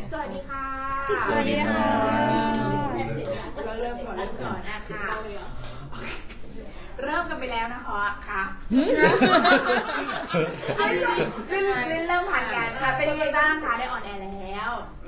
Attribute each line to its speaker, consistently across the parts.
Speaker 1: สวัสดีค่ะ
Speaker 2: สวัสดีค่ะ
Speaker 1: เราเริ่มก่อนนะคะเริ่มกันไปแล้วนะคะค่ะเริ่มผ่านกันค่ะเป็นยังไงบ้างคะได้ออนแอร์แล้ว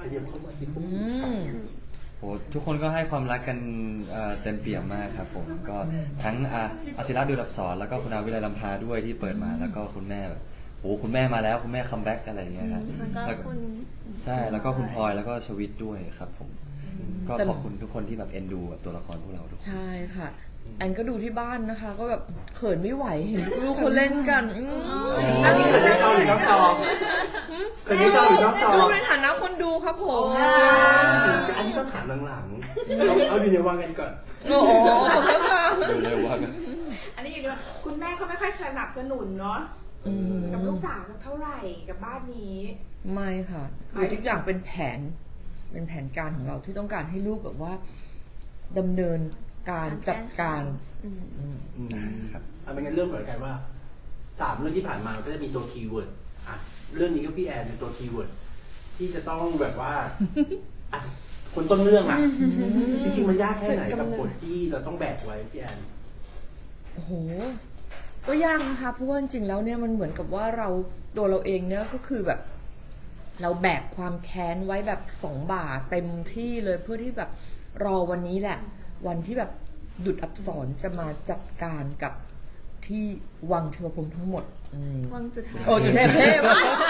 Speaker 2: โหทุกคนก็ให้ความรักกันเต็มเปี่ยมมากครับผมก็ทั้งอาศิระดูดับสอนแล้วก็คุณอาวิไลลำพาด้วยที่เปิดมาแล้วก็คุณแม่แบบโอ้คุณแม่มาแล้วคุณแม่คัมแบ็กอะไรอย่างเงี้ยครับแล้วก็ใช่แล้วก็คุณพลอยแล้วก็ชวิตด้วยครับผมก็ขอบคุณทุกคนที่แบบเอ็นดูตัวละครพวกเราด้วย
Speaker 3: ใช่ค่ะแอนก็ดูที่บ้านนะคะ ก็แบบเขินไม่ไหวเห็นลูกๆเขาเล่นกัน
Speaker 4: อันนี้คือในจอหรือนอกจอคือในจอหรือนอกจอ
Speaker 3: ดูในฐานะคนดูครับผม
Speaker 4: อันนี้ต้องถามหลังๆเอาอยู่ในวังกันก่อน
Speaker 3: โอ้โหขอบคุณค่ะ
Speaker 2: ดูเลยว่ากัน
Speaker 1: อันนี้อยู่ด้วยคุณแม่ก็ไม่ค่อยสนับสนุนเนาะกับลูกสาวเท่าไหร่กับบ้านนี้
Speaker 3: ไม่ค่ะคือทุกอย่างเป็นแผนการของเราที่ต้องการให้ลูกแบบว่าดำเนินการจัดการ
Speaker 2: ครับ
Speaker 4: เอาเป็นงั้นเริ่มเหมือนกันว่า3 เรื่องที่ผ่านมาก็จะมีตัวคีย์เวิร์ดอ่ะเรื่องนี้ก็พี่แอนเป็นตัวคีย์เวิร์ดที่จะต้องแบบว่าคนต้นเรื่องอ่ะจริงๆมันยากแค่ไหนกับบทที่เราต้องแบกไว้พี่แอน
Speaker 3: โอ้โหก็ยากนะคะเพราะว่าจริงๆแล้วเนี่ยมันเหมือนกับว่าตัวเราเองเนี่ยก็คือแบบ เราแบกความแค้นไว้แบบ2 บ่าเต็มที่เลยเพื่อที่แบบรอวันนี้แหละ วันที่แบบดุจอับสรจะมาจัดการกับที่วังเทวพรหมทั้งหมด
Speaker 5: วังจุฑา
Speaker 3: โอ้จุฑาเทพ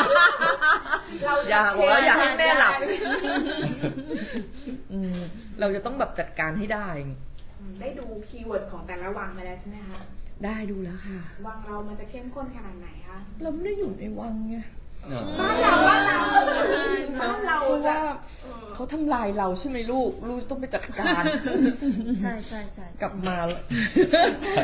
Speaker 3: อย่าบอกว่าอย่าให้แม่หลับเราจะต้องแบบจัดการให้ได้
Speaker 1: ได้ดูคีย์เวิร์ดของแต่ละวังมาแล้วใช่ไหมคะ
Speaker 3: ได้ดูแล้วค่ะ
Speaker 1: วังเรามันจะเข้มข้นขนาดไหนคะ
Speaker 3: เราไม่ได้อยู่ในวังไง
Speaker 1: บ้านเรา
Speaker 3: ว่าเขาทำลายเราใช่ไหมลูกต้องไปจัดการ
Speaker 5: ใช่
Speaker 3: กลับมาใช่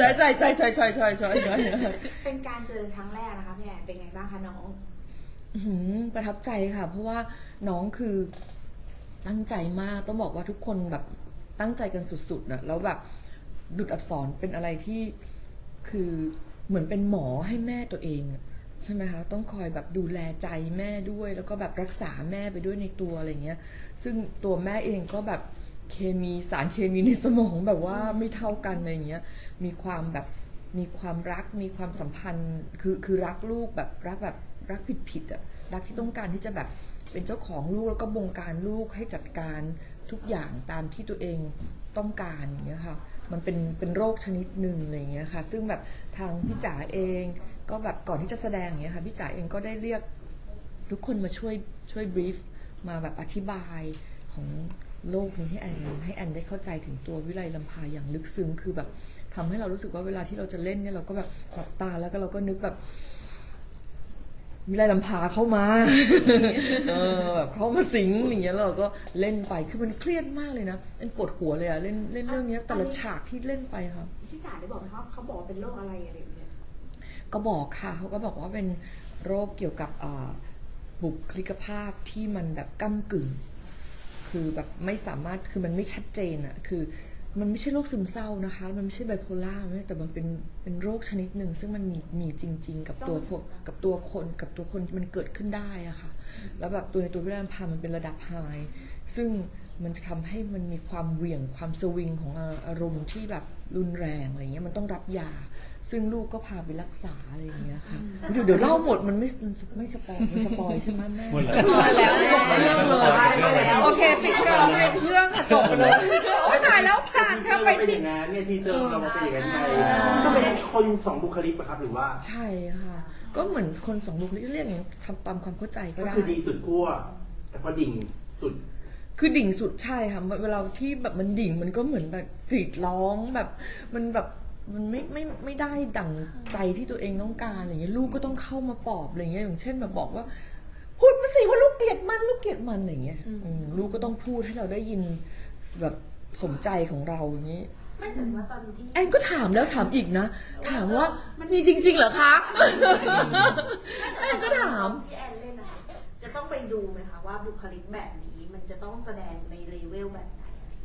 Speaker 1: เป็นการเจอครั้งแรกนะคะพี่แอนเป็นไงบ้างคะน้อง
Speaker 3: ประทับใจค่ะเพราะว่าน้องคือตั้งใจมากต้องบอกว่าทุกคนแบบตั้งใจกันสุดๆนะแล้วแบบดุจอับสรเป็นอะไรที่คือเหมือนเป็นหมอให้แม่ตัวเองใช่ไหมคะต้องคอยแบบดูแลใจแม่ด้วยแล้วก็แบบรักษาแม่ไปด้วยในตัวอะไรเงี้ยซึ่งตัวแม่เองก็แบบสารเคมีในสมองแบบว่าไม่เท่ากันอะไรเงี้ยมีความรักมีความสัมพันธ์คือรักลูกแบบรักผิดอ่ะรักที่ต้องการที่จะแบบเป็นเจ้าของลูกแล้วก็บงการลูกให้จัดการทุกอย่างตามที่ตัวเองต้องการอย่างเงี้ยค่ะมันเป็นโรคชนิดหนึ่งอะไรเงี้ยค่ะซึ่งแบบทางพี่จ๋าเองก็แบบก่อนที่จะแสดงอย่างเงี้ยค่ะพี่จ๋าเองก็ได้เรียกทุกคนมาช่วยบรีฟมาแบบอธิบายของโลกนี้ให้แอนได้เข้าใจถึงตัววิไลลำพาอย่างลึกซึ้งคือแบบทำให้เรารู้สึกว่าเวลาที่เราจะเล่นเนี่ยเราก็แบบหลับตาแล้วก็เราก็นึกแบบวิไลลำพาเข้ามาแบบเข้ามาสิงอย่างเงี้ยเราก็เล่นไปคือมันเครียดมากเลยนะเป็นปวดหัวเลยอะเล่นเรื่องนี้แต่ละฉากที่เล่นไปค่ะ
Speaker 1: พี่จ๋าได้บอกไหมเขาบอกเป็นโรคอะไรอะไรอย่างเงี้ย
Speaker 3: ก็บอกค่ะเขาก็บอกว่าเป็นโรคเกี่ยวกับบุคลิกภาพที่มันแบบก้ำกึ่งคือแบบไม่สามารถคือมันไม่ชัดเจนอะคือมันไม่ใช่โรคซึมเศร้านะคะมันไม่ใช่ไบโพล่าแต่มันเป็นโรคชนิดหนึ่งซึ่งมันมีจริงๆกับตัวคนมันเกิดขึ้นได้อะค่ะแล้วแบบในตัววิไลลำพามันเป็นระดับไฮซึ่งมันจะทำให้มันมีความเหวี่ยงความสวิงของอารมณ์ที่แบบรุนแรงอะไรเงี้ยมันต้องรับยาซึ่งลูกก็พาไปรักษาอะไรอย่างเงี้ยค่ะเดี๋ยวเล่าหมดมันไม่สปอยใช่ไหมแม่สปอยแล้วจบเรื่องเลยโอเคปิดเรื่องค่ะจบเลยโอ้ตายแล้วผ่านค่ะไป
Speaker 4: เป็นอย่างนั้นเนี่ยทีเซอร์เราเป็นอย่างนั้นไงก็เป็นคน2 บุคลิกป่ะครับหรือว่า
Speaker 3: ใช่ค่ะก็เหมือนคน2 บุคลิกเรียกอย่างนี้ทำตามความเข้าใจก็ได้
Speaker 4: ก็คือดีสุดขั้วแต่พอดิ่งสุด
Speaker 3: คือดิ่งสุดใช่ค่ะเวลาที่แบบมันดิ่งมันก็เหมือนแบบกรีดร้องแบบมันแบบมันไม่ได้ดั่งใจที่ตัวเองต้องการอย่างเงี้ยลูกก็ต้องเข้ามาปลอบอะไรเงี้ยอย่างเช่นแบบบอกว่าพูดมาสิว่าลูกเกลียดมันอย่างเงี้ยลูกก็ต้องพูดให้เราได้ยินแบบสมใจของเราอย่างงี้
Speaker 1: ไม่ถึงว่าตอนที่
Speaker 3: แอนก็ถามแล้วถามอีกนะถามว่ามันมีจริงๆเหรอคะแอนก็ถาม
Speaker 1: พี่แอนเล่นนะคะจะต้องไปดูไหมคะว่าบุคลิกแบบนี้มันจะต้องแสดงในเลเวลแบบไหน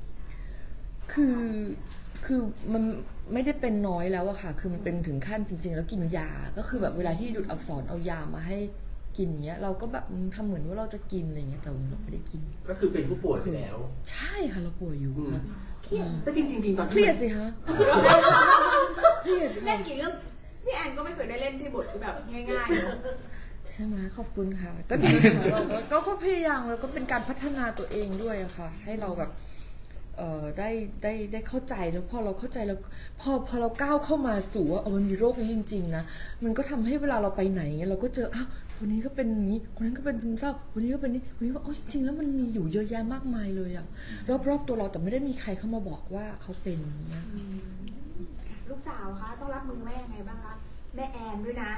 Speaker 3: คือมันไม่ได้เป็นน้อยแล้วอะค่ะคือมันเป็นถึงขั้นจริงๆแล้วกินยาก็คือแบบเวลาที่ดุจอับสรเอายามาให้กินอย่างเงี้ยเราก็แบบทำเหมือนว่าเราจะกินอะไรเงี้ยแต่เราไม่ได้กิน
Speaker 4: ก็คือเป็นผู้ป่วยไปแล้ว
Speaker 3: ใช่ค่ะเราป่วยอยู่ค่ะ
Speaker 4: เครียดแต่จริงๆตอน
Speaker 3: เครียดสิคะเครียด
Speaker 1: เล่นกี่เรื่องพี่แอนก็ไม่เคยได้เล่นที่บทที่แบบง่ายๆเนอะ
Speaker 3: ใช่ไหมขอบคุณค่ะ ก็ดีค่ะเราก็พยายามแล้วก็เป็นการพัฒนาตัวเองด้วยอะค่ะ ให้เราแบบได้เข้าใจแล้วพอเราเข้าใจแล้วพอเราก้าวเข้ามาสู่ว่ามันมีโรคนี้จริงๆนะมันก็ทำให้เวลาเราไปไหนเงี้ยเราก็เจออ้าวคนนี้ก็เป็นอย่างนี้คนนั้นก็เป็นซึมเศร้าคนนี้ก็เป็นนี่คนนี้ก็จริงๆแล้วมันมีอยู่เยอะแยะมากมายเลยอะรอบๆตัวเราแต่ไม่ได้มีใครเข้ามาบอกว่าเขาเป็นอย่างเงี้ย
Speaker 1: ลูกสาวคะต้องรับมือแม่ยังไงบ้างคะแม่แอนด้วยนะ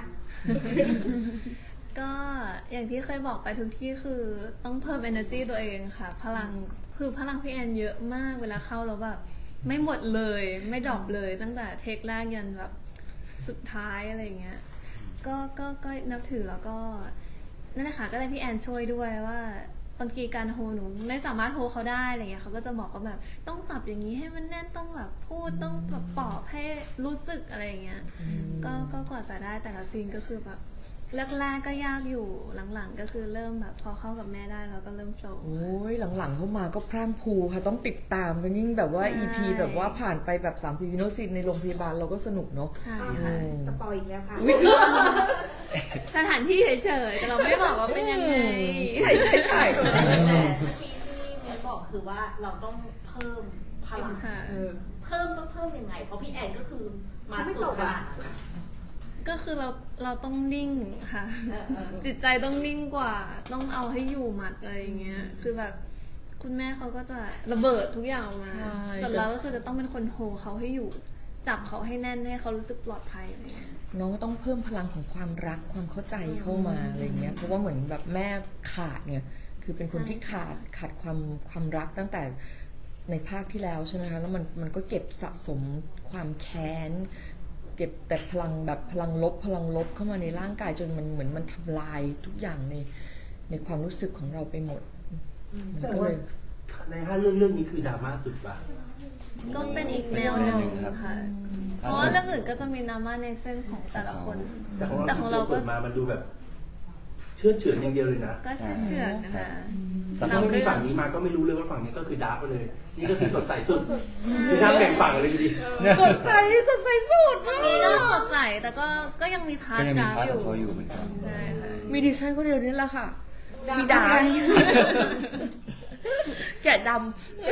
Speaker 5: ก็อย่างที่เคยบอกไปทุกที่คือต้องเพิ่ม energy ตัวเองค่ะ พลังพี่แอนเยอะมากเวลาเข้าแล้วแบบไม่หมดเลยไม่ดรอปเลยตั้งแต่เทคแรกยันแบบสุดท้ายอะไรเงี้ยก็นับถือแล้วก็นั่นแหละค่ะก็เลยพี่แอนช่วยด้วยว่าบางทีการโฮหนูไม่สามารถโฮเขาได้อะไรเงี้ยเขาก็จะบอกว่าแบบต้องจับอย่างนี้ให้มันแน่นต้องแบบพูดต้องแบบปลอบให้รู้สึกอะไรเงี้ยก็กว่าจะได้แต่ละซีนก็คือแบบแรกๆก็ยากอยู่หลังๆก็คือเริ่มแบบพอเข้ากับแม่ได้แล้วก็เริ่มโฟลว์
Speaker 3: โอ้ยหลังๆเข้ามาก็พร่ำพรูค่ะต้องติดตามกันยิ่งแบบว่า
Speaker 5: ใช่
Speaker 3: EP แบบว่าผ่านไปแบบ30วินาทีในโรงพยาบาลเราก็สนุกเนาะ
Speaker 5: ใช่
Speaker 1: ค่ะ
Speaker 5: ค่ะ
Speaker 1: สปอยอีกแล้วค่ะ
Speaker 5: สถานที่เฉยๆแต่เราไม่บอกว่าเป็นยังไง
Speaker 3: ใช่ใช่ใช่
Speaker 6: แต่เมื่อกี้ที่มิ้นบอกคือว่าเราต้องเพิ่มพลัง
Speaker 5: ค่ะ
Speaker 6: เพิ่มต้องเพิ่มยังไง เพราะพี่แอนก็คือมา
Speaker 1: ไม่
Speaker 6: สุ
Speaker 1: ต
Speaker 6: ด
Speaker 1: ก
Speaker 6: ข
Speaker 1: อะ
Speaker 6: นาดนั้น
Speaker 5: ก็คือเราต้องนิ่งค่ะ
Speaker 6: เออ
Speaker 5: จิตใจต้องนิ่งกว่า ต้องเอาให้อยู่หมัดอะไรอย่างเงี้ย คือแบบคุณแม่เขาก็จะระเบิดทุกอย่างออกมา
Speaker 3: ใช่
Speaker 5: ส่วนเราก็คือจะต้องเป็นคนโฮเขาให้อยู่ จับเขาให้แน่นให้เขารู้สึกปลอดภัยอะไรเงี้ย
Speaker 3: น้องก็ต้องเพิ่มพลังของความรักความเข้าใจเข้ามาอะไรเงี้ยเพราะว่าเหมือนแบบแม่ขาดเนี่ยคือเป็นคนที่ขาดความรักตั้งแต่ในภาคที่แล้วใช่ไหมคะแล้วมันก็เก็บสะสมความแค้นเก็บแต่พลังแบบพลังลบเข้ามาในร่างกายจนมันเหมือนมันทำลายทุกอย่างในความรู้สึกของเราไปหมด
Speaker 4: แสดงว่าใน5เรื่องนี้คือดราม่าสุดป่ะ
Speaker 5: ก็เป็นอีกแนวหนึ่ง
Speaker 2: ครับ
Speaker 5: ค่ะ เพราะว่าเรื่องอื่นก็จะมีดราม่าในเส้นของแต่ละคน
Speaker 4: แต่ของเราเปิดมามันดูแบบเชื่อเฉือนอย่างเดียวเลยนะ
Speaker 5: ก็เชื่อๆนะคะ
Speaker 2: แต่
Speaker 4: ถ้าไม่มีฝั่งนี้มาก็ไม่รู้เลยว่าฝั่งนี้ก็คือดาร์กไปเลย นี่ก็คือสดใสสุดคือน้ำแบ่งฝั่งเลยดี
Speaker 3: สดใสสุดมาก
Speaker 5: นี่ก็สดใสแต่ก็ยังมีพาร์
Speaker 2: ก็
Speaker 5: ท
Speaker 2: ยังมี
Speaker 5: ดาร์ก
Speaker 2: พาร์ท
Speaker 5: อ
Speaker 2: ข
Speaker 5: ยู่
Speaker 2: องเขาอยู่เหมือนกัน
Speaker 5: ใช่ค่ะ
Speaker 3: มีดิฉันคนเดียวนี่แหละค่ะ
Speaker 1: ดา
Speaker 3: ที่
Speaker 1: ว
Speaker 3: ดาแกะด
Speaker 1: ค่ะ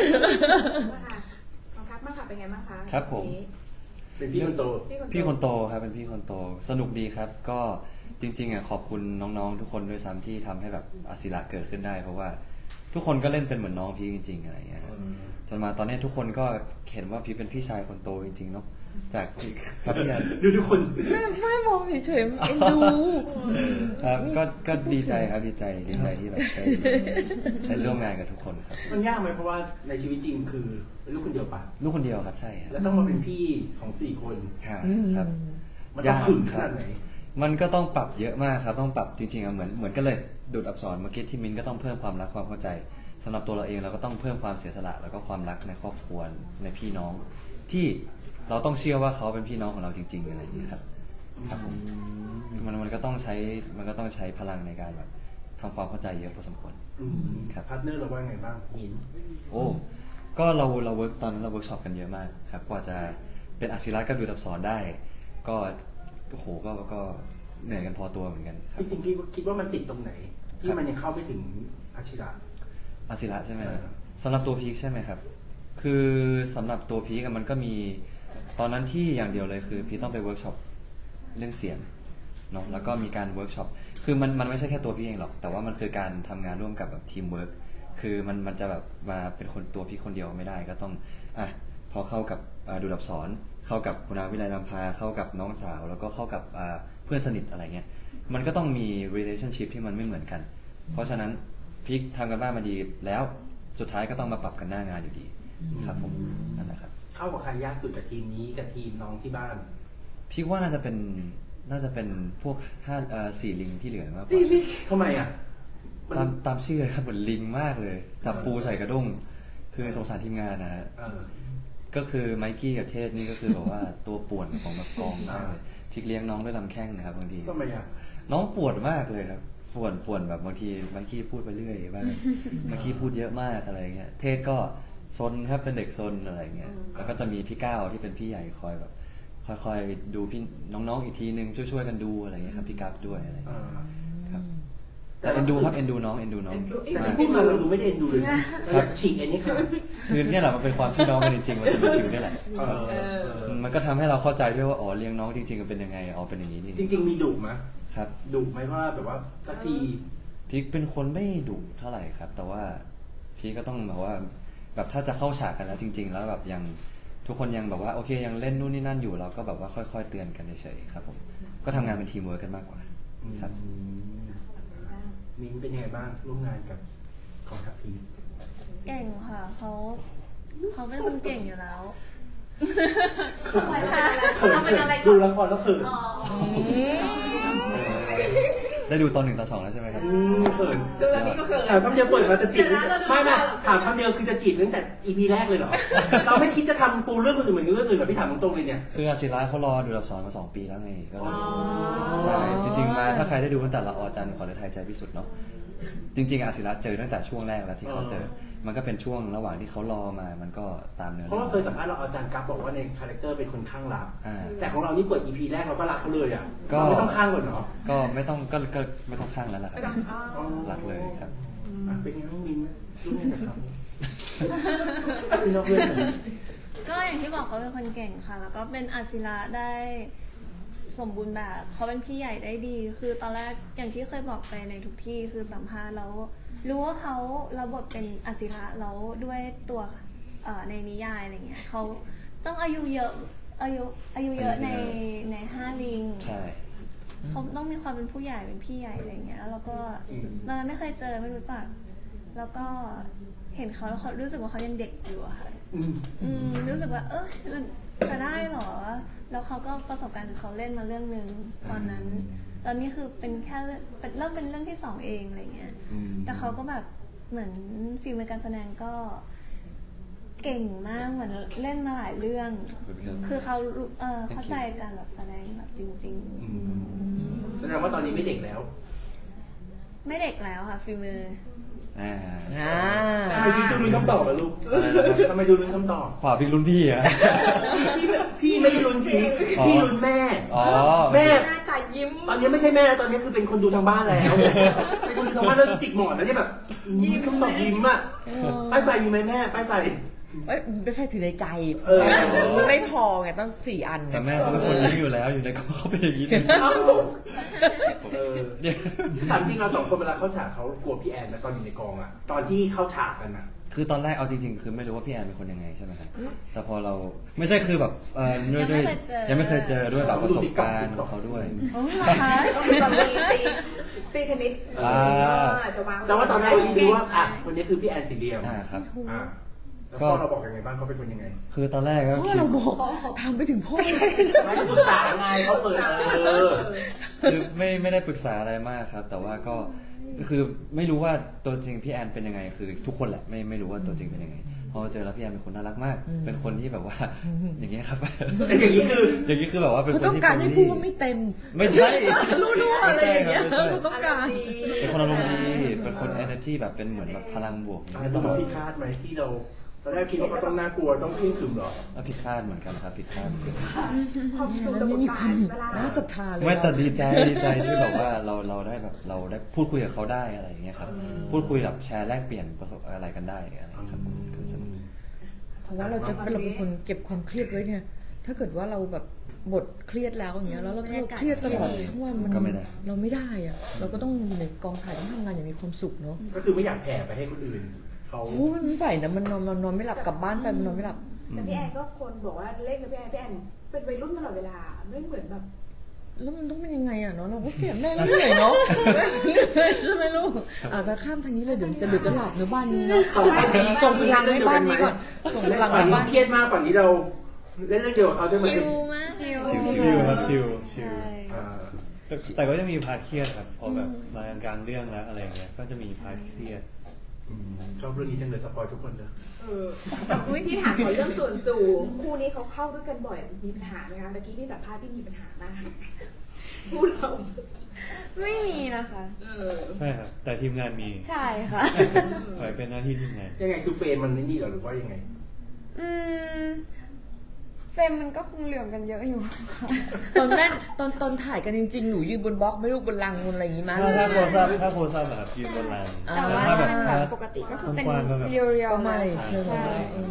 Speaker 1: ของทัพบ้างค่ะเป็นไงบ้างคะ
Speaker 2: ครับผม
Speaker 1: วันนี้
Speaker 4: ๆเป็นพี่คนโต
Speaker 2: พี่คนโตครับเป็นพี่คนโตสนุกดีครับ ก็จริงๆอ่ะขอบคุณน้องๆทุกคนด้วยซ้ำที่ทำให้แบบอาศิระเกิดขึ้นได้ เพราะว่าทุกคนก็เล่นเป็นเหมือนน้องพี่จริงๆอะไรอย่างเงี้ยครับจนมาตอนนี้ทุกคนก็เห็นว่าพี่เป็นพี่ชายคนโตจริงๆเนาะจากครับพี่แอน
Speaker 4: ดูทุกคน
Speaker 3: ำไม่มองเฉยๆเอ็นดู
Speaker 2: ครับก็ดีใจครับดีใจที่แบบได้ร่วมงานกับทุกคนครับ
Speaker 4: มันยากไหมเพราะว่าในชีวิตจริงคือเป็นลูกคนเดียวปะ
Speaker 2: ลูกคนเดียวครับใช่ครับ
Speaker 4: แล้วต้องมาเป็นพี่ของ4 คน
Speaker 2: ครับ
Speaker 4: มันต้องขึงขนาดไหน
Speaker 2: มันก็ต้องปรับเยอะมากครับต้องปรับจริงๆอะเหมือนกันเลยดูดอักษรเมื่อกี้ที่มิ้นก็ต้องเพิ่มความรักความเข้าใจสำหรับตัวเราเองเราก็ต้องเพิ่มความเสียสละแล้วก็ความรักในครอบครัวในพี่น้อง ที่เราต้องเชื่อว่าเขาเป็นพี่น้องของเราจริงๆอะไรอย่างนี้ครับครับผมมันก็ต้องใช้พลังในการแบบทำความเข้าใจเยอะพอสมควร ครับ
Speaker 4: พาร์ทเนอร์เราว่าไงบ้างมิ้น
Speaker 2: โอ้ก็เราเวิร์กตอนนั้นเราเวิร์กช็อปกันเยอะมากครับกว่าจะเป็นอาศิระกับดูดอักษรได้ ก็โอ้โหก็เหนื่อยกันพอตัวเหมือนกันครับ
Speaker 4: จริงๆพี่คิดว่ามันติดตรงไหน ที่มันยังเข้าไม่ถึงอาชิระ
Speaker 2: อาศิระใช่ไหมครับ
Speaker 4: เออ
Speaker 2: สำหรับตัวพีคใช่ไหมครับ คือสำหรับตัวพีคอะมันก็มีตอนนั้นที่อย่างเดียวเลยคือพีคต้องไปเวิร์กช็อปเรื่องเสียงเนาะแล้วก็มีการเวิร์กช็อปคือมันไม่ใช่แค่ตัวพี่เองหรอก แต่ว่ามันคือการทำงานร่วมกับแบบทีมเวิร์กคือมันจะแบบมาเป็นคนตัวพี่คนเดียวไม่ได้ก็ต้องพอเข้ากับดูดอักษรเข้ากับคุณอาวิไลลำพาเข้ากับน้องสาว แล้วก็เข้ากับเพื่อนสนิทอะไรเงี้ยมันก็ต้องมี relationship ที่มันไม่เหมือนกัน เพราะฉะนั้นพีคทำกันบ้านมาดีแล้วสุดท้ายก็ต้องมาปรับกันหน้างานอยู่ดีครับผมนั่นแหละครับ
Speaker 4: เข้ากับใครยากสุดกับทีมนี้กับทีมน้องที่บ้าน
Speaker 2: พีคว่าน่าจะเป็นพวก4 ลิงที่เหลือมากกว่า
Speaker 4: ทำไมอ่ะมัน
Speaker 2: ตามชื่อเลยครับเหมือนลิงมากเลยจับปูใส่กระด้งคือสงสารทีมงานนะฮะ
Speaker 4: เออ
Speaker 2: ก็คือไมกี้กับเทศนี่ก็คือแบบว่าตัวป่วนของแบบกองมากเลยพีคเลี้ยงน้องด้วยลำแข้งนะครับบางที
Speaker 4: ทำไมอ่ะ
Speaker 2: น้องปวดมากเลยครับป่วนแบบบางทีไมค์กี้พูดไปเรื่อยบ้าง ไมค์กี้พูดเยอะมากอะไรเงี้ยเทศก็ซนครับเป็นเด็กซนอะไรเงี้ยแล้วก็จะมีพี่ก้าวที่เป็นพี่ใหญ่คอยแบบคอยดูพี่น้องๆอีกทีนึงช่วยกันดูอะไรเงี้ยครับพี่กั๊บด้วยอะไรเงี้ยครับแต่เอ็นดูครับเอ็นดูน้อง
Speaker 4: แต่
Speaker 2: มาก
Speaker 4: ที่พูดมาเราดูไม่ได้เอ็นดูเลยนะเราอยากฉีกเอ็นนี่ค่ะ
Speaker 2: คือเนี่ยแหละมันเป็นความพี่น้องกันจริงๆมันเป็นฟิวนี่แหละ
Speaker 4: เออ
Speaker 2: มันก็ทำให้เราเข้าใจด้วยว่าอ๋อเลี้ยงน้องจริงๆมันเป็นยังไงอ๋อเป็นอย่างนี้นี่
Speaker 4: จริง ๆ มีดุไหม
Speaker 2: ครับ
Speaker 4: ดุไหมว่าแบบว่าสักที
Speaker 2: พี่เป็นคนไม่ดุเท่าไหร่ครับ แต่ว่าพี่ก็ต้องแบบว่าแบบถ้าจะเข้าฉากกันแล้วจริง ๆ แล้วแบบยังทุกคนยังแบบว่าโอเคยังเล่นนู่นนี่นั่นอยู่เราก็แบบว่าค่อยๆเตือนกันเฉยๆครับผมก็ทำงานเป็นทีมเวิร์กกันมากกว่าครับ
Speaker 4: มิ้นเป็นยังไงบ้างร่วมงานกับของทัพพี
Speaker 5: เก่งค่ะเขาเป็นคนเก่งอยู่แล้ว
Speaker 6: เราเป็นอะไร
Speaker 4: ดู
Speaker 6: ก่อน
Speaker 4: ละครแล้วเขิน
Speaker 6: อ๋อ
Speaker 2: ได้ดูตอน 1 ตอน 2แล้วใช่ไหมครับ
Speaker 4: เขิน
Speaker 1: ช่วงนี้ก็เขิน
Speaker 4: ถามคำเดียวเปิดมาจะจีบไม่ถามคำเดียวคือจะจีบตั้งแต่ EP แรกเลยเหรอ เราไม่คิดจะทำปูเรื่องอื่นเหมือนเรื่องอื่นเหรอพี่ถามตรงๆเลยเนี่ย
Speaker 2: คืออาศิระเขารอดูรับสอนมา2 ปีแล้วไงก็เลยใช่จริงๆมาถ้าใครได้ดูตั้งแต่ละอจันทร์ขอเดชไทยใจพิสุทธิ์เนาะจริงๆอาศิระเจอตั้งแต่ช่วงแรกแล้วที่เขาเจอ มันก็เป็นช่วงระหว่างที่เขารอมามันก็ตามเนื้อ
Speaker 4: เพ
Speaker 2: เรื่
Speaker 4: ราะ
Speaker 2: อง
Speaker 4: ว่าเคยสัมภาษณ์เราอาจารย์กัฟบอกว่าในคาแรคเตอร์เป็นคนข้างรัก
Speaker 2: อ่า
Speaker 4: แต่ของเรานี่เปิด EP แรกเราก็รักเขาเลยอ่ะ
Speaker 2: ก็
Speaker 4: เราไม่ต้องข้างก่อนเนาะ
Speaker 2: ก็ไม่ต้องก็ไม่ต้องข้างแล้วล่ะครับ
Speaker 4: อ๋อ
Speaker 2: รักเลยครับ
Speaker 4: อ่ะเป็นไงบ้างมิ้นร่วมงานกับเขาเป็นนอกเรื่องเหรอ
Speaker 5: ก็อย่างที่บอกเขาเป็นคนเก่งค่ะ แล้วก็เป็นอาศิระได้สมบูรณ์แบบเขาเป็นพี่ใหญ่ได้ดี คือตอนแรกอย่างที่เคยบอกไปในทุกที่คือสัมภาษณ์แล้วรู้ว่าเขารับบทเป็นอาศิระแล้วด้วยตัวในนิยายอะไรเงี้ยเขาต้องอายุเยอะในห้าลิง
Speaker 2: ใช่
Speaker 5: เขาต้องมีความเป็นผู้ใหญ่เป็นพี่ใหญ่อะไรเงี้ยแล้วก็ตอนนั้นไม่เคยเจอไม่รู้จัก แล้วก็เห็นเขาแล้วเขารู้สึกว่าเขายังเด็กอยู่อะค่ะรู้สึกว่าจะได้เหรอ แล้วเขาก็ประสบการณ์ของเขาเล่นมาเรื่องหนึ่งตอนนั้น ตอนนี้คือเป็นแค่เริ่มเป็นเรื่องที่2เองอะไรเงี้ย แต่เขาก็แบบเหมือนฟิล์มในการแสดงก็เก่งมากเหมือนเล่นมาหลายเรื่อง คือเขาเข้าใจการแบบแสดงแบบจริง
Speaker 4: แสดงว่าตอนนี้ไม่เด็กแล้ว
Speaker 5: ๆ ไม่เด็กแล้วค่ะฟิล์มมือ
Speaker 2: อ่า
Speaker 4: ทำไมพี่ดูลุ้นคำตอบอะลูกทำไมดูลุ้นคำตอบ
Speaker 2: ฝ่าพี่รุ่นพี่อะ
Speaker 4: พี่ไม่ได้ลุ้นพีพี่ลุ้นแม่
Speaker 2: อ๋อ
Speaker 4: แม่
Speaker 1: หน้าตายิ้ม
Speaker 4: ตอนนี้ไม่ใช่แม่แล้วตอนนี้คือเป็นคนดูทางบ้านแล้วเป็นคนดูทางบ้านแล้วจิกหมอนแล้วเนี่ยแบบยิ้มคำตอบยิ้มอ่ะป้ายไฟมีไหมแม่ป้ายไฟ
Speaker 3: ไม่ใช่ถือในใจ
Speaker 4: เออ
Speaker 3: ไม่พอไงต้อง4 อัน
Speaker 2: แต่แม่เขาเป็นคนยิ้มอยู่แล้วอยู่ในกองเขาเป็นอย่างนี้
Speaker 4: ถามจริงเรา2 คนเวลาเข้าฉากเขากลัวพี่แอนนะตอนอยู่ในกองอ่ะตอนที่เข้าฉากกันอ่ะ
Speaker 2: คือตอนแรกเอาจริงๆ คือไม่รู้ว่าพี่แอนเป็นคนยังไงใช่ไหมครับแต่พอเราไม่ใช่คือแบบด้วยยังไม่เคยเจอด้วยแบบประสบการณ์ของเขาด้วย
Speaker 5: โอ้เหรอคะ
Speaker 1: ก็คือตอนตีเทนนิสจะวาง
Speaker 4: แต่ว่าตอนแรกพี่ดูว่าอ่ะคนนี้คือพี่แอนสีเหลี่ยม
Speaker 2: ครับ
Speaker 4: อ่ะแล้วพ่อเราบอกยังไงบ้างเขาเป็นคนยังไง
Speaker 2: คือตอนแรกก็
Speaker 3: เพราะ
Speaker 2: คิด
Speaker 3: เราบอกทำไปถึงพ่อ
Speaker 4: ไม่ได้ปรึกษาไงเขาเปิด
Speaker 2: คือไม่ได้ปรึกษาอะไรมากครับ แต่ว่าก็คือไม่รู้ว่าตัวจริงพี่แอนเป็นยังไงคือทุกคนแหละไม่รู้ว่าตัวจริงเป็นยังไงพอเจอแล้วพี่แอนเป็นคนน่ารักมาก เป็นคนที่แบบว่าอย่างเงี้ยครับ
Speaker 4: อย่างนี้คือ
Speaker 2: อย่างนี้คือแบบว่าเป็น
Speaker 3: เขา
Speaker 2: คน
Speaker 3: ต้อง
Speaker 2: ที่
Speaker 3: การให้พูดว่าไม่เต็ม
Speaker 2: ไม่ใช่
Speaker 3: รู้ๆอะไรอย่างเงี้ย
Speaker 2: ไม่ใช่ครับ
Speaker 3: เขาต้องการ
Speaker 2: เป็นคนอารมณ์ดีเป็นคน energy แบบเป็นเหมือนแบบพลังบวก
Speaker 4: อันนี้ต้องผิดคาดไหมที่เราตอนแรกคิดว่าเขาต้องน่ากลัวต้องเคร่งขรึมหรอ
Speaker 2: แล้วผิดคาดเหมือนกันครับผิดคาด
Speaker 1: พอดู
Speaker 3: แล้ว
Speaker 1: ระบบ
Speaker 3: ไม่มี
Speaker 1: กา
Speaker 3: ควาร ม
Speaker 1: เวลา
Speaker 3: น่าศรัทธาเลย
Speaker 2: ไม่แต่ดีใจที่แบบว่าเราได้แบบเราได้พูดคุยกับเขาได้อะไรอย่างเงี้ยครับพูดคุยแบบแชร์แลกเปลี่ยนประสบอะไรกันได้อะไรครับคือสนุก
Speaker 3: เพราะว่าเราเป็นคนเก็บความเครียดไว้เนี่ย ถ้าเกิดว่าเราแบบบทเครียดแล้วอย่างเงี้ยแล้วเราเครียดตลอดทั้งวันมันเราไม่ได้อะเราก็ต้องอยู่ในกองถ่ายต้องทำงานอย่างมีความสุขเนาะ
Speaker 4: ก็คือไม่อยากแผ่ไปให้คนอื่นเขา
Speaker 3: โอ้มันไม่ไหวนะมันนอนไม่หลับกลับบ้านไปมันนอนไม่หลับ
Speaker 1: แต่พี่แอนก็คนบอกว่าเล่นกับพี่แอนเป็นวัยรุ่นตลอดเวลาไม่เหมือนแบบ
Speaker 3: แล้วมันต้องเป็นยังไงอ่ะเนาะเราก็เสียแม่แล้วเหนื่อยเนาะเหนื่อยใช่ไหมลูกจะข้ามทางนี้เลยเดี๋ยวจะหลับในบ้านนี้เนาะส่งพลังให้บ้านนี้ก่อนส่งพลัง
Speaker 4: ฝั่
Speaker 3: ให้
Speaker 4: งนี้
Speaker 3: บ้าน
Speaker 4: เครียดมากฝั่งนี้เราเล่นเรื่องเดียวกับเขาใช่ไหม
Speaker 5: ชิลมากชิล
Speaker 7: ชิลครับชิล
Speaker 5: ใช่
Speaker 4: อ่า
Speaker 7: แต่ก็จะมีพาร์ทเครียดครับพอแบบมากลางเรื่องแล้วอะไรอย่างเงี้ยก็จะมีพาร์ทเครียด
Speaker 4: ชอบเรื่องนี้จังเลยสปอยทุกคนเลย
Speaker 1: ที่ถามขอเรื่องส่วนสูงคู่นี้เขาเข้าด้วยกันบ่อยมีปัญหาไหมคะเมื่อกี้ที่สัมภาษณ์ที่มีปัญหามากพูดเรา
Speaker 8: ไม่มีนะคะ
Speaker 7: ใช่ครับ แต่ทีมงานมี
Speaker 8: ใช่ค่ะ
Speaker 7: ปล่อยเป็นหน้าที่ทีมงาน
Speaker 4: ยังไงคือเฟรมมันนี่เหรอหรือว่ายังไง
Speaker 8: อืมเฟรมมันก็คงเหลื่อมกันเยอะอยู่ค่ะ
Speaker 3: ตอนแรกตอนถ่ายกันจริงๆ หนูยืนบนบล็อกไม่รู้บนลังบนอะไรอย่างงี้มั้ย
Speaker 7: ถ้าโพสต์อะครับยืนบนราง
Speaker 8: แต่ว่า
Speaker 7: ถ้า
Speaker 8: ถ้า
Speaker 7: แบบ
Speaker 8: เป็นแบบปกติก็คือเป็น
Speaker 7: กว้างๆก็แบบ
Speaker 8: เรียวๆ
Speaker 3: ไม่
Speaker 8: เลย
Speaker 3: ใช่
Speaker 8: ใช่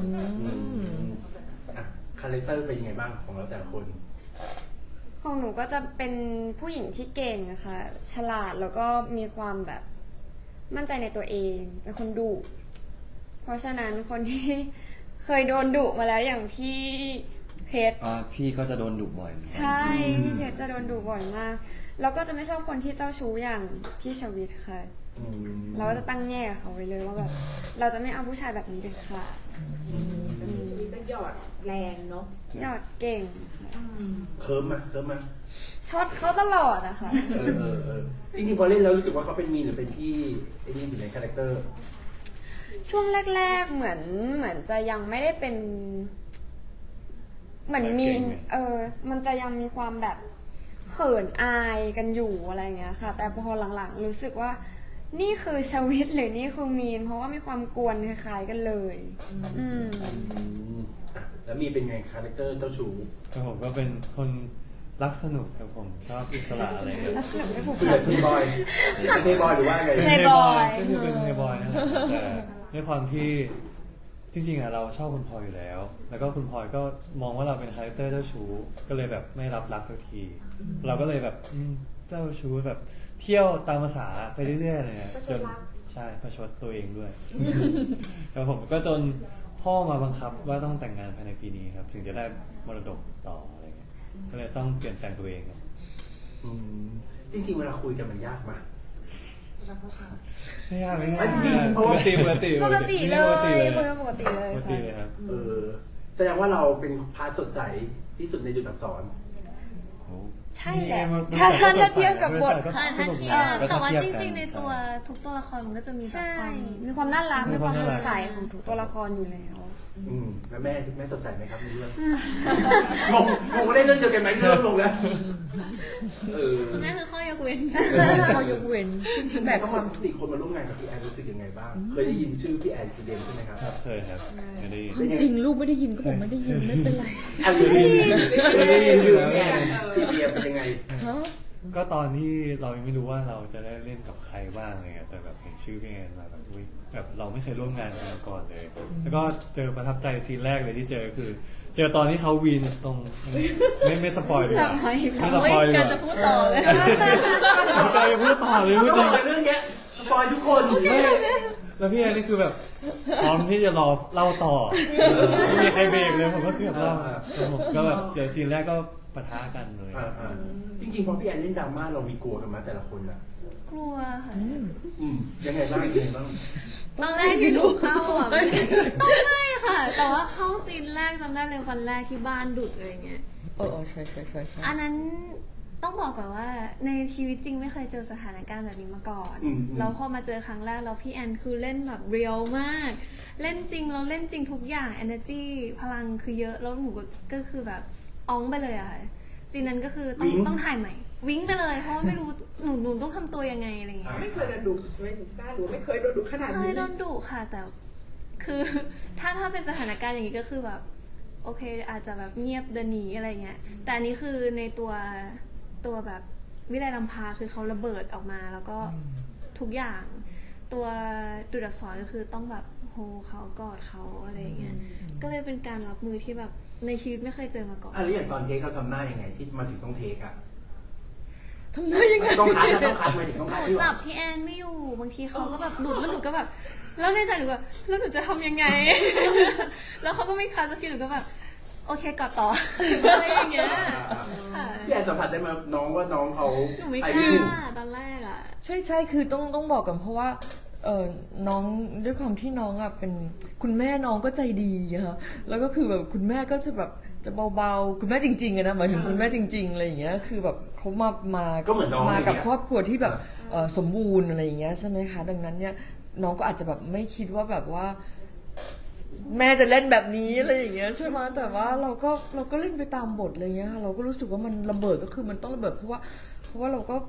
Speaker 4: อ่ะคาแรคเตอร์เป็นยังไงบ้างของเราแต่ละคน
Speaker 8: ของหนูก็จะเป็นผู้หญิงที่เก่งอะค่ะ ฉลาดแล้วก็มีความแบบมั่นใจในตัวเอง เป็นคนดุเพราะฉะนั้นคนที่เคยโดนดุมาแล้วอย่างพี่เพชร
Speaker 2: พี่ก็จะโดนดุบ่อย
Speaker 8: ใช่พี่เพชรจะโดนดุบ่อยมากแล้วก็จะไม่ชอบคนที่เจ้าชู้อย่างพี่ชวิตค่ะ เราก็จะตั้งแง่กับเขาไว้เลยว่าแบบเราจะไม่เอาผู้ชายแบบนี้เด็ดขาด
Speaker 1: ชีวิตก็หยอดแรงเนาะ
Speaker 8: ยอดเก่งค่ะ
Speaker 4: เคิร์มมา
Speaker 8: ช็อตเขาตลอดอะค่ะ
Speaker 4: จริงๆพอเล่นแล้วรู้สึกว่าเขาเป็นมีนหรือเป็นพี่ไอ้นี่อยู่ในคาแรคเตอร์
Speaker 8: ช่วงแรกๆเหมือนจะยังไม่ได้เป็น เหมือนมี
Speaker 7: เก่งไง
Speaker 8: มันจะยังมีความแบบเขินอายกันอยู่อะไรเงี้ยค่ะ แต่พอหลังๆรู้สึกว่า นี่คือชวิตหรือนี่คือมีนเพราะว่ามีความกวนคล้ายๆกันเลย
Speaker 4: แล้วมีเป็นไงคาแรคเตอร์เจ้าชู้
Speaker 7: ครับผมก็เป็นคนรักสนุกครับผมชอบอิสระอะไรเงี้ย
Speaker 8: ลักษณะไม่ผูก
Speaker 4: คือ
Speaker 8: พัน
Speaker 4: เทย์บอยเทย์บอยหรือว่าไง
Speaker 8: เทย์บอย
Speaker 7: ก็คือเป็นเทย์บอยนั่นแหละแต่ด้วยความที่จริงๆอะเราชอบคุณพลอยอยู่แล้ว แล้วก็คุณพลอยก็มองว่าเราเป็นคาแรคเตอร์เจ้าชู้ก็เลยแบบไม่รับรักสักที เราก็เลยแบบเจ้าชู้แบบเที่ยวตามภาษาไปเรื่อยๆเลยอะจนใช่ประชดตัวเองด้วยแล้วผมก็จนพ่อมาบังคับว่าต้องแต่งงานภายในปีนี้ครับ ถึงจะได้มรดกต่ออะไรเงี้ยก็เลยต้องเปลี่ยนแปลงตัวเองครับ
Speaker 4: จริงๆเวลาคุยกันมันยากมาก
Speaker 7: ไม่ยากไม่ยาก
Speaker 4: อันนี้
Speaker 7: ปกติ
Speaker 8: ปกติเลยคุยกันปกติเลย
Speaker 7: ปกติเลย
Speaker 8: ค่ะ
Speaker 7: ครับ
Speaker 4: แสดงว่าเราเป็นพาร์ทสดใสที่สุดในดุจอักษร
Speaker 8: ใช่แหละถ้าเทียบกับบท
Speaker 5: ค่ะถ้าเทียบแต่ว่าจริงๆในตัวทุกตัวละครมันก็จะมีแบบ
Speaker 8: ใช่
Speaker 5: ความ
Speaker 8: มีความน่ารัก มีความสดใสของทุกตัวละครอยู่แล้ว
Speaker 4: แล้วแม่สดใสไหมครับในเรื่องงงว่าได้เรื่องเดียวกันไหมเรื่องลงแล้ว
Speaker 5: คุณแม่คือข้อยกเว้น
Speaker 3: เขายกเว้น
Speaker 4: แม่ก็ความสี่คนมาร่วมงานกับพี่แอนรู้สึกยังไงบ้าง เคยได้ยินชื่อพี่แอนซีเดนใช่ไหมครับ
Speaker 7: ครับเคยครับเคยได้ยิน
Speaker 3: จริงลูกไม่ได้ยินก็บอกไม่ได้ยินไม่เป็นไร
Speaker 4: อันนี้เคยได้ยินชื่อพี่แอนซีเดนเป็นยังไง
Speaker 3: ฮะ
Speaker 7: ก็ตอนที่เรายังไม่รู้ว่าเราจะได้เล่นกับใครบ้างอะไรเงี้ยแต่แบบเห็นชื่อพี่แอนมาแบบอุ๊ยแบบเราไม่เคยร่วมงานกันมาก่อนเลย แล้วก็เจอประทับใจซีนแรกเลยที่เจอคือ เจอตอนที่เขาวีนตรงไม่สปอยดีกว่าไม่สปอยดีก
Speaker 5: การ
Speaker 7: ว่า
Speaker 5: จะพูดต่อเลย
Speaker 7: เราจะพูดต่อเลยพูด
Speaker 4: ต้
Speaker 7: ต่
Speaker 4: อ
Speaker 7: อง
Speaker 4: บอกเรื่องเนี้ยสปอยทุกคน
Speaker 7: ไม่แล้วพี่แอนนี่คือแบบพร้อมที่จะรอเล่าต่อไม่มีใครเบรกเลยผมก็เกือบเล่าแล้วผมก็แบบเจอซีนแรกก็ปะทะกันเลย
Speaker 4: จริงๆพอพี่แอนเล่นดราม่าเรามีกลัวกันมาแต่ละคนนะ
Speaker 5: กลัวค่ะ
Speaker 4: ยังไงบ้าง
Speaker 5: ตอนแรกที่หนูเข้าอ่ะไม่ค่ะ แต่ว่าเข้าซีนแรกจำได้เลยวันแรกที่บ้านดุอะไรเงี้ย
Speaker 3: ใช่
Speaker 5: อันนั้นต้องบอกก่อนว่าในชีวิตจริงไม่เคยเจอสถานการณ์แบบนี้มาก่อนแล้วพอมาเจอครั้งแรกแล้วพี่แอนคือเล่นแบบเรียลมาก เล่นจริงเราเล่นจริงทุกอย่าง energy พลังคือเยอะแล้วหนูก็คือแบบอ้องไปเลยอะค่ะซีนนั้นก็คือต้องถ่ายใหม่วิ่งไปเลยเพราะว่าไม่รู้หนูต้องทำตัวยังไงอะไรเงี้ย
Speaker 1: ไม่เคยโดนดุใช่ไหมกล้าหรือไม่เคยโดนดุขนาด
Speaker 5: เค
Speaker 1: นี้
Speaker 5: ยโดนดุค่ะแต่คือถ้าเป็นสถานการณ์อย่างนี้ก็คือแบบโอเคอาจจะแบบเงียบเดินหนีอะไรเงี้ยแต่อันนี้คือในตัวแบบวิไลลำพาคือเขาระเบิดออกมาแล้วก็ทุกอย่างตัวดุจอักษรก็คือต้องแบบโฮเขากอดเขาอะไรเงี้ยก็เลยเป็นการรับมือที่แบบในชีวิตไม่เคยเจอมาก่อน
Speaker 4: แล้วอย่างตอนเทคเราทำหน้ายังไงที่มาถึงต้องเทคอะ
Speaker 3: ทำได้ยังไง
Speaker 4: ต้องคัดมาถึงต้อง
Speaker 5: ห
Speaker 4: คัด
Speaker 5: นู
Speaker 4: ที่
Speaker 5: จั
Speaker 4: ว่า
Speaker 5: บพี่แอนไม่อยู่บางทีเขาก็แบบหลุดแล้วหนูก็แบบแล้วในใจหนูแบบแล้วหนูจะทำยังไง แล้วเขาก็ไม่คัดสักทีหนูก็แบบโอเคกอดต่อ อะไรอย่างเงี้ยค่ะ
Speaker 4: พี่แอนสัมผัสได้มาน้องว่าน้องเขา
Speaker 5: หนูไม่
Speaker 4: ไอก
Speaker 5: ล้
Speaker 4: วิ่ง
Speaker 5: าตอนแรกอ่ะ
Speaker 3: ใช่คือต้องบอกกันเพราะว่าน้องด้วยความที่น้องอ่ะเป็นคุณแม่น้องก็ใจดีอะค่ะแล้วก็คือแบบคุณแม่ก็จะแบบจะเบาๆคุณแม่จริงๆอะนะหมายถึงคุณแม่จริงๆอะไรอย่างเงี้ยคือแบบเขามา
Speaker 4: ก็เหมือนน้อง
Speaker 3: มากับครอบครัวที่แบบสมบูรณ์อะไรอย่างเงี้ยใช่ไหมคะดังนั้นเนี่ยน้องก็อาจจะแบบไม่คิดว่าแบบว่า แม่จะเล่นแบบนี้อะไรอย่างเงี้ยใช่ไหมแต่ว่าเราก็เล่นไปตามบทอะไรเงี้ยค่ะเราก็รู้สึกว่ามันระเบิดก็คือมันต้องระเบิดเพราะว่าเราก็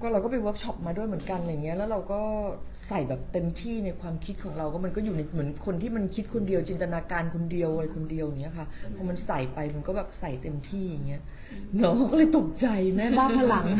Speaker 3: ก็เราก็ไปเวิร์กช็อปมาด้วยเหมือนกันอะไรเงี้ยแล้วเราก็ใส่แบบเต็มที่ในความคิดของเราก็มันก็อยู่ในเหมือนคนที่มันคิดคนเดียวจินตนาการคนเดียวอะไรคนเดียวอย่างเงี้ยค่ะพอมันใส่ไปมันก็แบบใส่เต็มที่อย่างเงี้ยน้องก็เลยตกใจแม่บ้าพลัง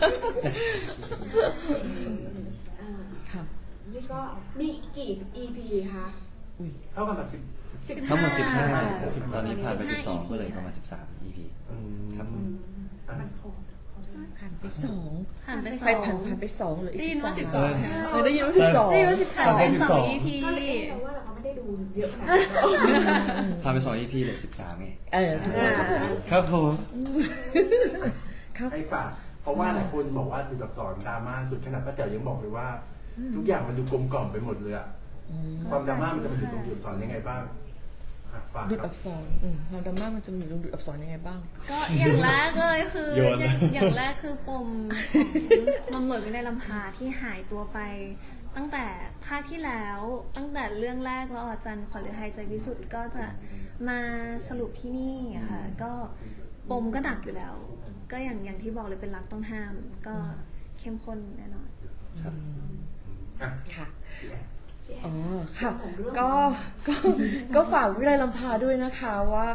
Speaker 3: ค่ะ
Speaker 1: นี่ก็มีกี่ EP คะ
Speaker 4: เท่ากันแบบ
Speaker 2: ทั้งหมด
Speaker 8: ค่ะ
Speaker 2: 15ตอนนี้ผ่านไป 12 ก็เลยประมาณ 13 EP ครับผม
Speaker 3: ผ่านไปสอง
Speaker 5: ผ่านไป
Speaker 3: ไปผ่านไปสองเหลืออีก
Speaker 5: ได้ยินว่า
Speaker 3: 13
Speaker 5: 12
Speaker 3: ได้ยินว่า12
Speaker 8: ได้ยินว่า12
Speaker 5: ผ่านไป2 EP
Speaker 1: ก็เลยเราว่าเราไม่ได้ดูเยอะขนาดนั้น
Speaker 2: ผ่านไป 2 EP เหลือ 13ไง
Speaker 3: ถูก
Speaker 8: อ่า
Speaker 2: ครับผม
Speaker 3: ครับ
Speaker 4: ให้ฝากเพราะว่าหลายคนบอกว่าดูกับสอนดราม่าสุดขนาดป้าแจ๋วยังบอกเลยว่า ทุกอย่างมันดูกลมกล่อมไปหมดเลยอะความดราม่ามันจะมาอยู่ตรงดูกับสอนยังไงบ้างอ่ะฝาก
Speaker 3: ดูด
Speaker 4: ครั
Speaker 3: อั
Speaker 4: บ
Speaker 3: กษรความดราม่ามันจะมีดูดอักษรยังไงบ้าง
Speaker 5: ก็อย่างแรกเลยคือ
Speaker 7: โยน
Speaker 5: อย่างแรกคือปมของตำรวจวินัยลำพาที่หายตัวไป ตั้งแต่ภาคที่แล้ว ตั้งแต่เรื่องแรกแล้วอาจารย์ขวัญฤทัยใจวิสุทธ์ก็จะมาสรุปที่นี่อะค่ะก็ปมก็หนักอยู่แล้ว ก็อย่างที่บอกเลยเป็นรักต้องห้าม ก็เข้มข้นแน่นอน
Speaker 2: ครับ
Speaker 4: อ่ะ
Speaker 3: ค่ะ
Speaker 4: พี่แอน
Speaker 3: อ๋อ ค่ะ ก็ฝากวิไลลำพาด้วยนะคะว่า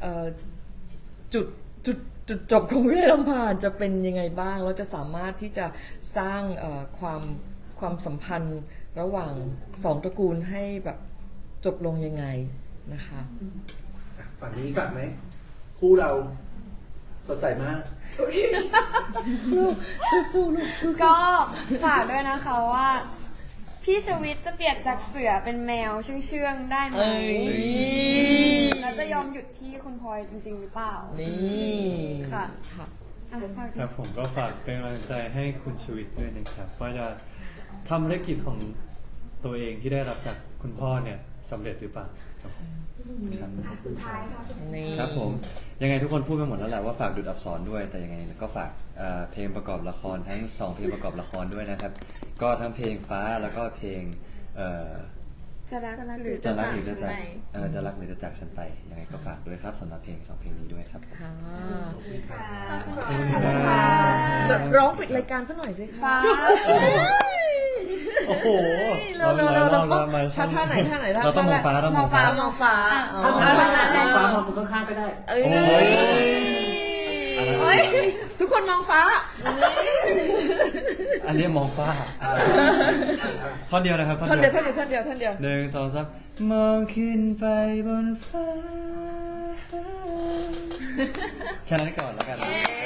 Speaker 3: จุดจบของวิไลลำพาจะเป็นยังไงบ้างแล้วจะสามารถที่จะสร้างความสัมพันธ์ระหว่างสองตระกูลให้แบบจบลงยังไงนะคะ
Speaker 4: อ่ะฝั่งนี้ก่อนไหมคู่เราสดใสมาก
Speaker 3: สู้ๆลูกสู้
Speaker 8: ก็ฝากด้วยนะคะว่า พี่ชวิตจะเปลี่ยนจากเสือเป็นแมวเชื่องๆได้ไหม
Speaker 3: เอ้ย
Speaker 8: แล้วจะยอมหยุดที่คุณพลอยจริงๆหรือเปล่า
Speaker 3: นี่
Speaker 8: ค่ะ
Speaker 3: ค่ะ
Speaker 8: อ่ะฝาก
Speaker 7: ครับผมก็ฝากเป็นกำลังใจให้คุณชีวิตด้วยนะครับว่าจะทำภารกิจของตัวเองที่ได้รับจากคุณพ่อเนี่ยสำเร็จหรือเปล่าครับผม
Speaker 2: ครับ
Speaker 1: สุดท้ายค่ะ
Speaker 3: นี่
Speaker 2: ครับผมยังไงทุกคนพูดไปหมดแล้วแหละว่าฝากดูดอักษรด้วยแต่ยังไงก็ฝากเพลงประกอบละครทั้ง2เพลงประกอบละครด้วยนะครับ ก็ทั้งเพลงฟ้าแล้วก็เพลง
Speaker 8: จะรักหรือ
Speaker 2: จะรักหรือจะ
Speaker 5: จะ
Speaker 2: จาก
Speaker 5: จากฉันไป
Speaker 2: จะรักหรือจะจากฉันไปยังไงก็ฝากด้วยครับสำหรับเพลง2เพลงนี้ด้วยครับ
Speaker 3: ค่ะ
Speaker 2: ขอบคุณครับ
Speaker 3: ร้องปิดรายการซะหน่อยสิคะ
Speaker 8: ฟ้า
Speaker 7: โอ้โห
Speaker 3: เราท่าไหน
Speaker 2: เราต้องมองฟ้าเรา
Speaker 8: ม
Speaker 2: ม
Speaker 8: อ
Speaker 2: อง ง
Speaker 8: ฟ้า
Speaker 2: ฟ้า
Speaker 8: มองฟ้า
Speaker 3: อ๋อ
Speaker 4: ฟ้ามองคนข้างๆก็ได้
Speaker 3: เอ้ย
Speaker 2: อันนั้น
Speaker 3: เอ้ยทุกคนมองฟ้า
Speaker 2: อันนี้มองฟ้าท่อนเดียวนะครับ
Speaker 3: ท่อนเดียว
Speaker 2: 1 2 3มองขึ้นไปบนฟ้าแค่นั้นก่อนแล้วกัน